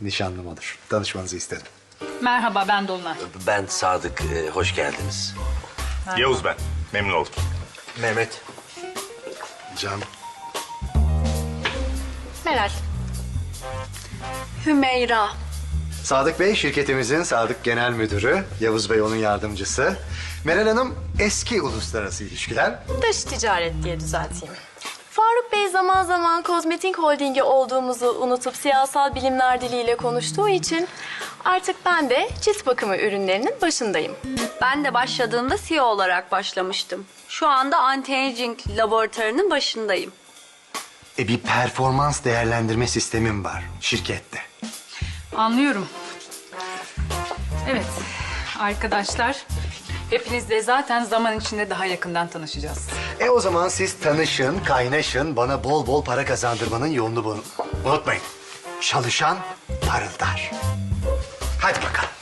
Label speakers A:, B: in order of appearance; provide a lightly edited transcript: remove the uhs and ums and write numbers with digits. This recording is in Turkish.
A: nişanlım olur. Tanışmanızı istedim.
B: Merhaba, ben Dolunay.
C: Ben Sadık, hoş geldiniz.
D: Yavuz ben. Memnun oldum.
C: Mehmet.
A: Can.
E: Meral. Hümeyra.
A: Sadık Bey şirketimizin Sadık Genel Müdürü. Yavuz Bey onun yardımcısı. Meral Hanım eski uluslararası ilişkiler.
E: Dış ticaret diye düzelteyim. Faruk Bey zaman zaman kozmetik holdingi olduğumuzu unutup siyasal bilimler diliyle konuştuğu için artık ben de cilt bakımı ürünlerinin başındayım.
F: Ben de başladığımda CEO olarak başlamıştım. Şu anda anti-aging laboratuvarının başındayım.
A: Bir performans değerlendirme sistemim var şirkette.
B: Anlıyorum. Evet, arkadaşlar. Hepinizle zaten zaman içinde daha yakından tanışacağız.
A: O zaman siz tanışın, kaynaşın, bana bol bol para kazandırmanın yolunu bulun. Unutmayın, çalışan parıldar. Hadi bakalım.